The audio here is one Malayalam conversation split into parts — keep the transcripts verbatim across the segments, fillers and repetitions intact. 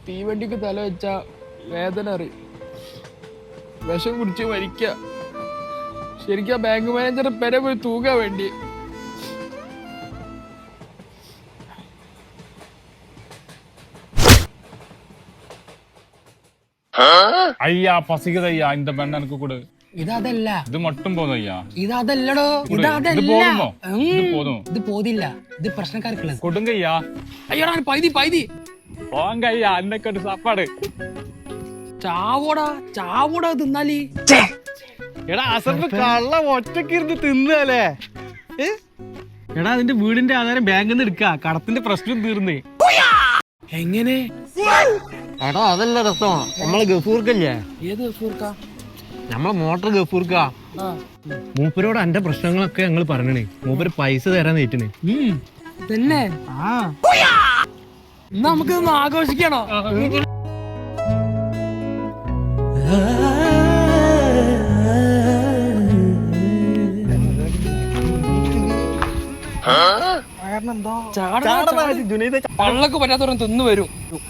തീവണ്ടിക്ക് തല വെച്ച വേദന അറിയും, വിഷം കുടിച്ച് മരിക്ക. ശരിക്കും ബാങ്ക് മാനേജർ പെര പോയി തൂകാൻ വേണ്ടി. ஐயா பசிக்குது ஐயா, இந்த பெண்ண எனக்கு கொடு. ഇതല്ല, ഇത് மட்டும் போதும் ஐயா. ഇതല്ലടോ, ഇതല്ല. இது போதுமோ? இது போதும். ഇത് പോതില്ല, ഇത് പ്രശ്നക്കാർക്കുള്ളത്. கொடுங்க ஐயா. അയ്യോടാ പൈതി പൈതി. வாங்க ஐயா, அன்னைக்கு ஒரு சாப்பாடு. ചാവോടാ ചാവോടാ തിന്നാലി. എടാ അസർഫ് കള്ള ഒറ്റക്ക് ഇരുന്ന് തിന്നല്ലേ? എടാ അതിന്റെ വീടിന്റെ ആധാരം ബാങ്കിൽ നിന്ന് എടുക്ക, കടത്തിന്റെ പ്രശ്നം തീർന്നേ. എങ്ങനെ? എടാ അതല്ല രസം, നമ്മളെ ഗഫൂർക്കല്ലേ? ഏത് ഗഫൂർക്ക? നമ്മളെ മോട്ടർ ഗഫൂർക്ക. മൂപ്പരോട് എന്റെ പ്രശ്നങ്ങളൊക്കെ ഞങ്ങൾ പറഞ്ഞേ, മൂപ്പര് പൈസ തരാൻ നേറ്റിന്. തന്നെ? നമുക്ക് ആഘോഷിക്കണോ? പള്ളക്ക് പറ്റാത്തവരും തിന്നു വരും.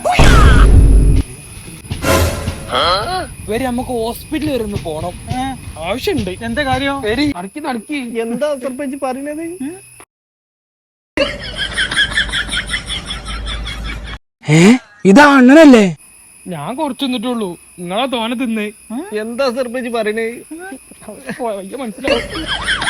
വരി നമുക്ക് ഹോസ്പിറ്റലിൽ വരുന്നു പോണം, ആവശ്യമുണ്ട്. എന്താ കാര്യം? വരി നടക്കി നടക്കി. എന്താ സർപ്പഞ്ച് പറയുന്നത്? ഏ ഇതാ അങ്ങനല്ലേ? ഞാൻ കുറച്ച് തിന്നിട്ടുള്ളൂ, നിങ്ങളെ തോനെ തിന്നേ. എന്താ സർപ്പഞ്ച് പറയണേ? മനസ്സിലാവും.